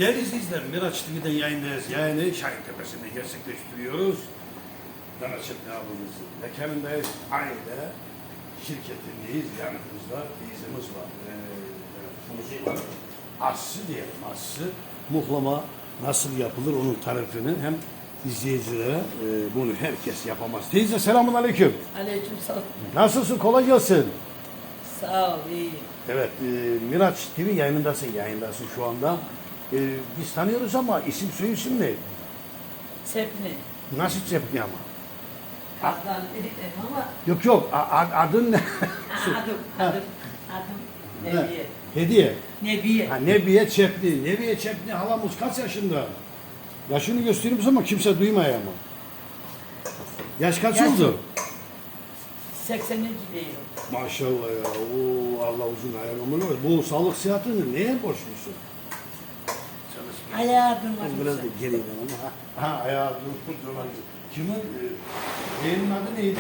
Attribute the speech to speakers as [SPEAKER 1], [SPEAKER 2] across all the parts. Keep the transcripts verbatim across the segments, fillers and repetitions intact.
[SPEAKER 1] Değerli izleyiciler, Miraç T V'den yayındayız. Yayını Şahin Tepesi'nde gerçekleştiriyoruz. Danaçet abimizin mekanındayız. Aile şirketindeyiz. Yanımızda teyzemiz var. Ee, evet, var. Assı diyelim, assı. Muhlama nasıl yapılır onun tarifini hem izleyicilere e, bunu herkes yapamaz. Teyze selamun aleyküm.
[SPEAKER 2] Aleyküm selam.
[SPEAKER 1] Nasılsın? Kolay gelsin.
[SPEAKER 2] Sağ ol, iyi.
[SPEAKER 1] Evet, e, Miraç T V yayınındasın, yayındasın şu anda. E, biz tanıyoruz ama isim soy isim ne?
[SPEAKER 2] Sepni.
[SPEAKER 1] Nasıl Cepni ama?
[SPEAKER 2] Adnan dedim ama
[SPEAKER 1] Yok yok, a- a- adın ne?
[SPEAKER 2] adım, adım, adım Nebiye.
[SPEAKER 1] Hediye.
[SPEAKER 2] Nebiye.
[SPEAKER 1] Ha, Nebiye Çepni. Nebiye Çepni halamız kaç yaşında? Yaşını göstereyim ama kimse duymaya ama. Yaş kaç
[SPEAKER 2] Yaş-
[SPEAKER 1] oldu?
[SPEAKER 2] seksen iki değil.
[SPEAKER 1] Maşallah ya. Oo, Allah uzun hayal ömür versin. Bu sağlık sıhhatini neye borçlusun?
[SPEAKER 2] Ayağı
[SPEAKER 1] Az
[SPEAKER 2] durmak
[SPEAKER 1] biraz da
[SPEAKER 2] için.
[SPEAKER 1] geriyim ama. Ha, ha ayağı dur, durmak için. Kimin? E, yeğenin adı neydi?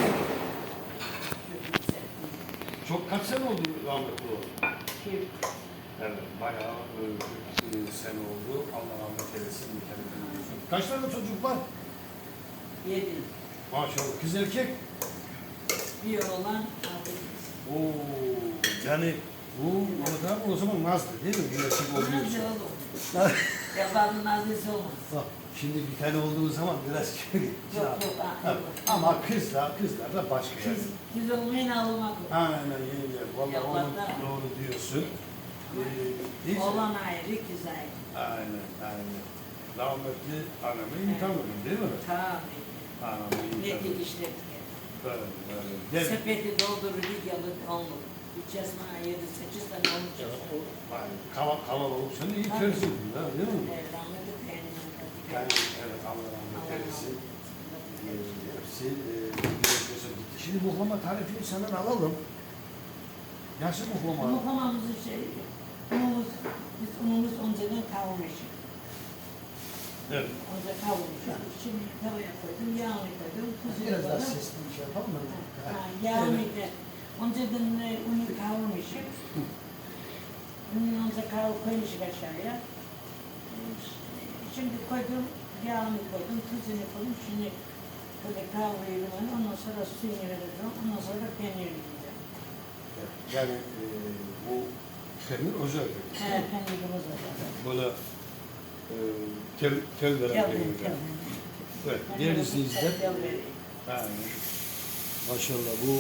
[SPEAKER 1] Çok kaç sene oldu rahmetli o?
[SPEAKER 2] Kim?
[SPEAKER 1] Evet, bayağı e, e, sene oldu. Allah rahmet eylesin. Mükemmel olsun. Kaç tane çocuk var?
[SPEAKER 2] Yedi.
[SPEAKER 1] Maşallah. Kız erkek?
[SPEAKER 2] Bir oğlan, altı kız.
[SPEAKER 1] Oo, yani bu Mehmet abi o zaman Nazlı değil mi? Bir erkek olduğu
[SPEAKER 2] Nazlı
[SPEAKER 1] için.
[SPEAKER 2] oğlum. Yabanın nazlısı olmaz.
[SPEAKER 1] Bak, şimdi bir tane olduğu zaman biraz kötü.
[SPEAKER 2] Yok yok. ha, yok.
[SPEAKER 1] Ama kızlar, kızlar da başka
[SPEAKER 2] Kız,
[SPEAKER 1] yani.
[SPEAKER 2] kız olmayın ağlamak yok.
[SPEAKER 1] Aynen yenge. Vallahi onu
[SPEAKER 2] Yalanlar.
[SPEAKER 1] doğru diyorsun. Ee, neyse.
[SPEAKER 2] Oğlan ayrı, kız ayrı.
[SPEAKER 1] Aynen, aynen. Rahmetli anamı iyi tanıdın değil mi?
[SPEAKER 2] Tabii.
[SPEAKER 1] Anamı iyi
[SPEAKER 2] Ne
[SPEAKER 1] tanıdın.
[SPEAKER 2] dikişlerdik.
[SPEAKER 1] Böyle, böyle. Gel.
[SPEAKER 2] Sepeti doldurur, bir yalı onluk. Üç esma yedi, sekiz tane olacak.
[SPEAKER 1] Yani kava, kalabalık seni iyi tersin. Değil mi?
[SPEAKER 2] Evet, rahmetli beğenimim.
[SPEAKER 1] Yani evet Allah rahmet eylesin. Ee, Hepsi e, bir gitti. Şimdi muhlama tarifini senden alalım. Nasıl muhlama?
[SPEAKER 2] Muhlamamızın şey, unumuz, biz unumuz önceden kavurmuşuz.
[SPEAKER 1] Evet.
[SPEAKER 2] Önce kavurmuşuz. Şimdi tavaya koydum, yağını koydum, tuzunu
[SPEAKER 1] Biraz daha
[SPEAKER 2] koydum.
[SPEAKER 1] sesli bir şey yapalım mı?
[SPEAKER 2] Ha, yağını da, önceden e, unu kavurmuşuz. Unu önce kavur koymuşuz aşağıya. E, Şimdi koydum, yağını koydum, tuzunu koydum. Şimdi böyle kavuruyorum onu, ondan sonra suyunu vereceğim, ondan sonra peynirini yiyeceğim.
[SPEAKER 1] Yani e, bu peynir özel.
[SPEAKER 2] He, peynirimiz olacak.
[SPEAKER 1] Böyle e, tel, tel veren
[SPEAKER 2] Gel,
[SPEAKER 1] peynir.
[SPEAKER 2] gel.
[SPEAKER 1] Evet, değerli izleyiciler.
[SPEAKER 2] Gel vereyim.
[SPEAKER 1] Aynen. Maşallah bu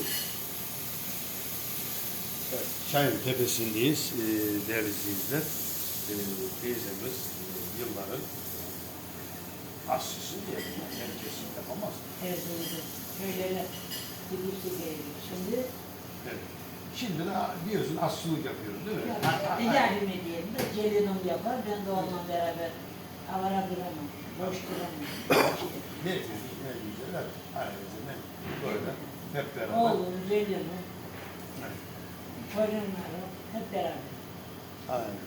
[SPEAKER 1] evet, Şahin Tepesi'ndeyiz e, değerli izleyiciler. E, teyzemiz e, yılların aşçısı diyelim. Yani herkesin yapamaz.
[SPEAKER 2] Evet, evet. Köylere gidip geliyor. Şimdi
[SPEAKER 1] Evet. Şimdi de diyorsun aşçılık yapıyoruz değil mi?
[SPEAKER 2] e, yardım edeyim de gelinim yapar. Ben de onunla beraber avara duramam. Boş duramam.
[SPEAKER 1] Ne diyorsun? Ne güzel. Ailece ne? Böyle hep beraber.
[SPEAKER 2] Oğlum, gelinim,
[SPEAKER 1] Evet.
[SPEAKER 2] torunlarım hep beraber.
[SPEAKER 1] Aynen.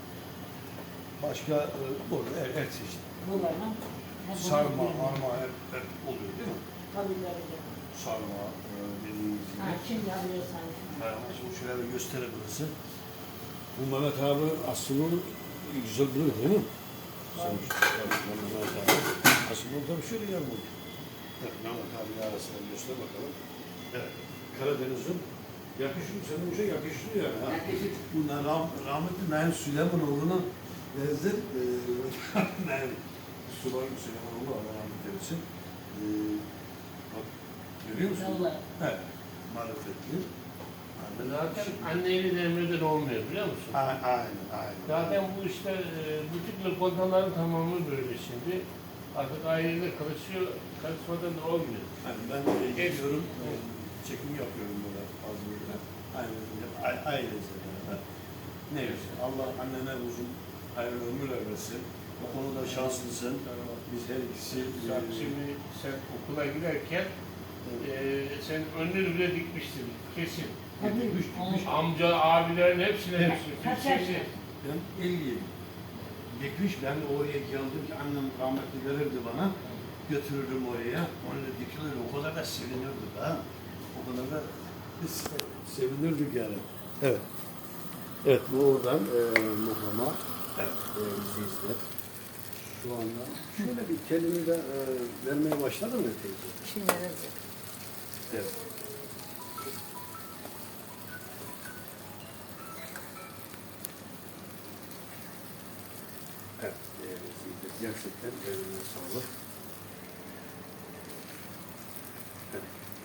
[SPEAKER 1] Başka e, burada her, her çeşit.
[SPEAKER 2] Bunlarla hep
[SPEAKER 1] Sarma,
[SPEAKER 2] bunu
[SPEAKER 1] arma hep, hep oluyor değil mi?
[SPEAKER 2] Tabii tabii.
[SPEAKER 1] Sarma e, dediğimiz gibi.
[SPEAKER 2] Ha, şimdi alıyorsan.
[SPEAKER 1] Ha, şimdi şöyle bir gösterebilirsin. Bu Mehmet abi aslında güzel biliyor değil mi? Sen, Mehmet abi. Aslında tabii şöyle yanmıyor. Evet, Mehmet abi arasına göster bakalım. Evet, Karadeniz'in yakışıyor, senin bir şey yakışıyor yani. Ha. Bunlar rah rahmetli Naim Süleymanoğlu'na benzer e, Naim Süleymanoğlu Süleymanoğlu Allah rahmet eylesin. E, bak, görüyor musun?
[SPEAKER 2] Vallahi.
[SPEAKER 1] Evet, marifetli.
[SPEAKER 3] Zaten anneyle demreden olmuyor biliyor musun?
[SPEAKER 1] A- Aynen, aynen.
[SPEAKER 3] Zaten bu işte e, butik lokantaların tamamı böyle şimdi. Artık ailede karışıyor, karışmadan da olmuyor.
[SPEAKER 1] Yani ben de geliyorum, e, çekim yapıyorum böyle fazla böyle. Aynen, a- ailece beraber. Neyse, Allah annene uzun hayırlı ömürler versin. Bu konuda şanslısın. Biz her ikisi...
[SPEAKER 3] Bak
[SPEAKER 1] e,
[SPEAKER 3] şimdi sen okula giderken e, sen önünü bile dikmiştin kesin.
[SPEAKER 2] Tabii.
[SPEAKER 1] Dikmiş, dikmiş.
[SPEAKER 3] Amca, abilerin hepsine hepsine.
[SPEAKER 2] Kaç
[SPEAKER 3] Kesin.
[SPEAKER 2] yaşında?
[SPEAKER 1] Ben elliyim. Dikmiş, ben de oraya geldim ki annem rahmetli verirdi bana. Götürürdüm oraya. Onunla dikilirdi. O kadar da sevinirdik ha. O kadar da biz sevinirdik yani. Evet. Evet, bu oradan e, muhlama. Evet, değerli izleyiciler. Şu anda şöyle bir kendini de e, vermeye başladı mı teyze?
[SPEAKER 2] Şimdi vereceğim.
[SPEAKER 1] Evet. Evet, değerli izleyiciler. Gerçekten eline sağlık. Evet.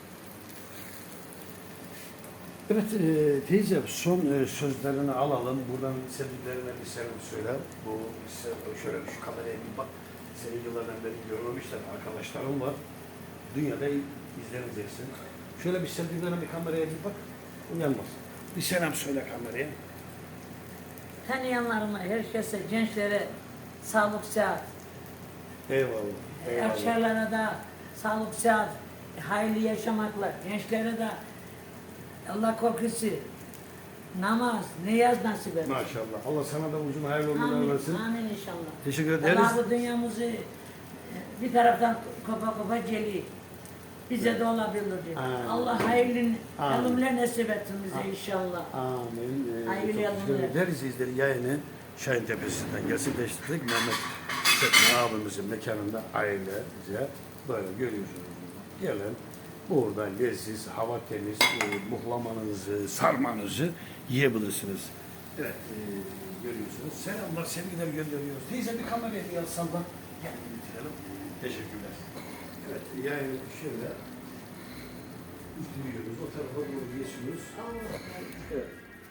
[SPEAKER 1] Evet e, teyze son e, sözlerini alalım. Buradan sevdiklerine bir selam söyle. Bu se- şöyle şu kameraya bir bak. Seni yıllardan beri görmemişler. Arkadaşlarım var. Dünyada izleneceksin. Şöyle bir sevdiklerine bir kameraya bir bak. Uyanmaz. Bir selam söyle kameraya.
[SPEAKER 2] Tanıyanlarıma, herkese, gençlere sağlık, sıhhat.
[SPEAKER 1] Eyvallah. Eyvallah.
[SPEAKER 2] Yaşlılara da sağlık, sıhhat, hayırlı yaşamakla, gençlere de Allah korkusu, namaz, niyaz nasip etsin.
[SPEAKER 1] Maşallah. Allah sana da uzun hayırlı ömürler
[SPEAKER 2] Amin,
[SPEAKER 1] versin.
[SPEAKER 2] amin inşallah.
[SPEAKER 1] Teşekkür ederiz.
[SPEAKER 2] Allah bu dünyamızı e, bir taraftan kopa kopa geliyor. Bize de olabilir diyor.
[SPEAKER 1] Amin.
[SPEAKER 2] Allah hayırlı
[SPEAKER 1] Amin.
[SPEAKER 2] ölümler nasip etsin bize inşallah.
[SPEAKER 1] Amin. Ee,
[SPEAKER 2] Hayırlı
[SPEAKER 1] çok
[SPEAKER 2] yalınlar.
[SPEAKER 1] teşekkür ederiz. İzleri yayını Şahin Tepesi'nden gerçekleştirdik. Mehmet Setme abimizin mekanında ailece böyle görüyorsunuz. Gelen burada leziz, hava temiz, e, muhlamanızı, sarmanızı yiyebilirsiniz. Evet, e, görüyorsunuz. Selamlar, sevgiler gönderiyoruz. Teyze bir kameraya bir yazsam da gel bitirelim. Teşekkürler. Evet, yayını şöyle bitiriyoruz. O tarafa doğru geçiyoruz. Evet.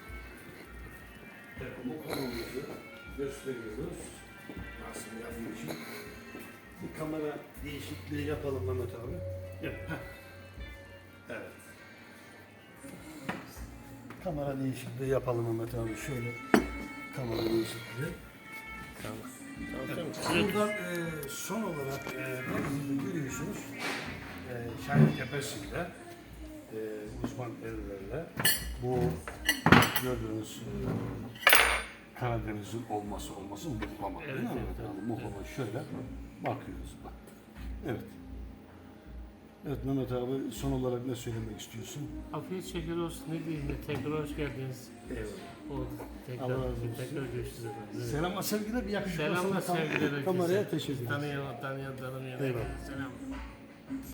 [SPEAKER 1] Bu konumuzu gösteriyoruz. Nasıl yapayım için. Bir kamera değişikliği yapalım Mehmet abi. Evet. heh. Evet. Kamera değişikliği yapalım Mehmet abi. Şöyle kamera değişikliği. Evet. Buradan e, son olarak e, denizde görüyorsunuz. E, Şahin Tepesi'nde e, uzman ellerle bu gördüğünüz e, Karadeniz'in olması olması muhlama.
[SPEAKER 3] Evet,
[SPEAKER 1] değil mi?
[SPEAKER 3] evet,
[SPEAKER 1] Yani
[SPEAKER 3] evet.
[SPEAKER 1] muhlama şöyle bakıyoruz bak. Evet. Evet Mehmet abi son olarak ne söylemek istiyorsun?
[SPEAKER 3] Afiyet şeker olsun. Ne diyeyim? Tekrar hoş geldiniz.
[SPEAKER 1] Eyvallah.
[SPEAKER 3] Oldu. Tekrar,
[SPEAKER 1] Allah razı olsun.
[SPEAKER 3] tekrar görüşürüz efendim. Evet.
[SPEAKER 1] Selamlar sevgiler bir yakışıklı
[SPEAKER 3] Selamlar
[SPEAKER 1] olsun.
[SPEAKER 3] sevgiler herkese.
[SPEAKER 1] Kameraya teşekkür ederim.
[SPEAKER 3] Tanıyan, tanıyan, tanımayan.
[SPEAKER 1] Eyvallah.
[SPEAKER 3] Selam.